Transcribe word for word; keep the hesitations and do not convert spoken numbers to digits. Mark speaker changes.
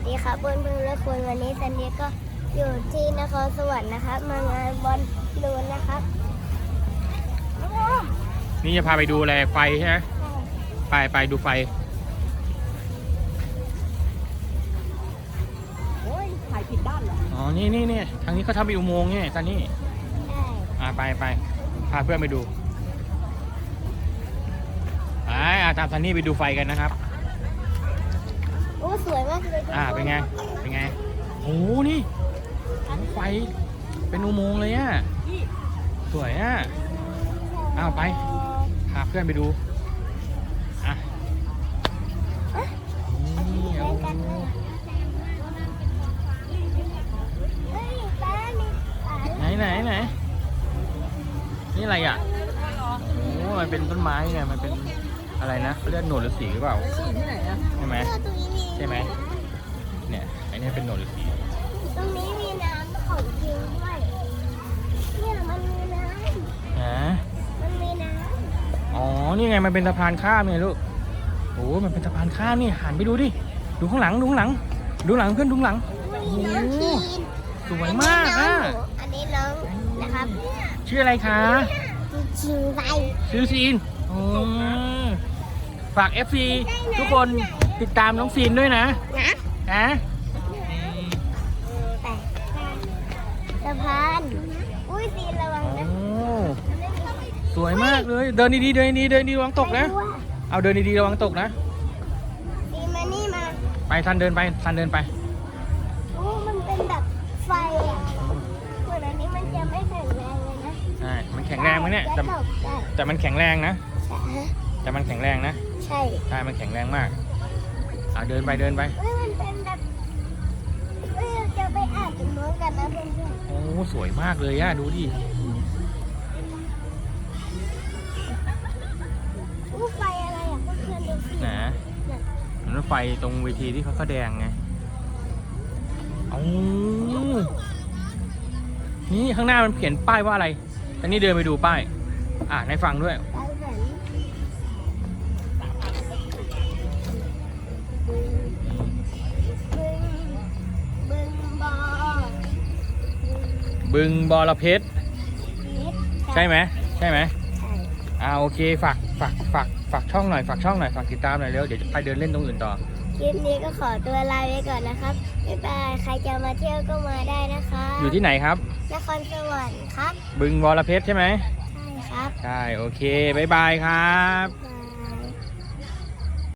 Speaker 1: ดีครับเพื่อนเพื่อนและคุณวันนี้ซันเดียก็อยู่ที่นครสวรรค์นะครับมางานบอลลูนนะครับ
Speaker 2: นี่จะพาไปดูอะไรไฟใช่ไหมไปไปดูไฟ
Speaker 3: โอ้ยถ่ายผิดด้านเหรอ
Speaker 2: อ๋อนี่นี่นี่ทางนี้เขาทำเป็นอุโมงค์นี่ซันนี่
Speaker 1: ใช่
Speaker 2: อ่าไปไปพาเพื่อนไปดูไปอ่าตามซันนี่ไปดูไฟกันนะครับ
Speaker 1: โอ้สวยมากเลย
Speaker 2: อ่าเป็นไงเป็นไงโอ้นี่ไฟเป็นอุโมงค์เลยอ่ะสวยอ่ะอ้าวไปพาเพื่อนไปดูอ่ะนี่
Speaker 1: เล่นกันเลยเฮ้ยป้ามีอ่า
Speaker 2: ไหนไหนไหนนี่อะไรอ่ะโอ้มันเป็นต้นไม้ไงมันเป็นอะไรนะเขาเรียกหนวดฤาษีหรือเปล่า
Speaker 3: ที่ไหนอะ
Speaker 2: ใช่ไหม
Speaker 1: ตรงนี้มี
Speaker 2: ใช่ไหมเนี่ยไอ้นี่เป็นหนวดฤาษี
Speaker 1: ตรงนี้มีน้ำของจริงด้วยเนี่ยมันมีน้
Speaker 2: ฮะ
Speaker 1: ำมันมีน้ำ
Speaker 2: อ๋อนี่ไงมันเป็นสะพานข้ามไงลูกโอ้มันเป็นสะพานข้ามนี่หันไปดูดิดูข้างหลังดูข้างหลังดูหลังเพื่อนดูหลัง
Speaker 1: มีน้องทีน
Speaker 2: สวยมากอ่ะ
Speaker 1: อันนี้น้องนะครับ
Speaker 2: ชื่ออะไรคะ
Speaker 1: ชิงไป
Speaker 2: ชื่อซีนโอ้ฝาก เอฟ ซี ทุกคนติดตามน้องซีนด้วยนะ
Speaker 1: นะ
Speaker 2: นะ
Speaker 1: แต่สะพานอุ้ยซีนระวัง
Speaker 2: โอ้
Speaker 1: นะ
Speaker 2: สวยมากเลยเดินดีๆเดินดีๆเดินดีๆระวังตกนะ
Speaker 1: ไปด้วย
Speaker 2: เอาเดินดีๆระวังตกนะ
Speaker 1: ซีนมานี่มา
Speaker 2: ไปทันเดินไปทันเดินไป
Speaker 1: โอ้มันเป็นแบบไฟอ่ะส่วนอันนี้มันจะไม่แข็งแรงเลยนะ
Speaker 2: ใช่ มันแข็งแรงไหมเนี่ยแต่
Speaker 1: จะตกได้
Speaker 2: แต่มันแข็งแรงนะ
Speaker 1: ใช่ฮะ
Speaker 2: แต่มันแข็งแรงนะ
Speaker 1: ใช่
Speaker 2: ใช่ มันแข็งแรงมากอ่ะเดินไปเดินไป
Speaker 1: เฮ้ยมันเป็นแบบเฮ้ยเราจะไปอ่านตรงโน้นกันนะเพื่อน
Speaker 2: โอ้สวยมากเลยอะดูดิ
Speaker 1: ๆอู้ไฟอะไรอ่ะเพื่อนๆดูสิ
Speaker 2: นะมันรถไฟตรงเวทีที่เขาแสดงไงเอานี่ข้างหน้ามันเขียนป้ายว่าอะไรอันนี้เดินไปดูป้าย อ่านให้ฟังด้วย
Speaker 1: ไปไหนบึงบึงบอ
Speaker 2: บึงบอระเพ็ด
Speaker 1: นิด
Speaker 2: ใช่ไหมใช่ไหม
Speaker 1: ใช่
Speaker 2: อ่าโอเคฝากฝากฝากฝากช่องหน่อยฝากช่องหน่อยฝากติดตามหน่อยเร็วเดี๋ยวจะไปเดินเล่นตรงอื่นต่อ
Speaker 1: คลิปนี้ก็ขอตัวลาไปก่อนนะครับบ๊ายบายใครจะมาเที่ยวก็มาได้นะคะ
Speaker 2: อยู่ที่ไหนครับ
Speaker 1: นครสวรรค์ครับ
Speaker 2: บึงบอระเพ็ดใช่ไหม
Speaker 1: ใช่ครับ
Speaker 2: ใช่โอเคบ๊ายบายครับ
Speaker 1: บ๊ายบาย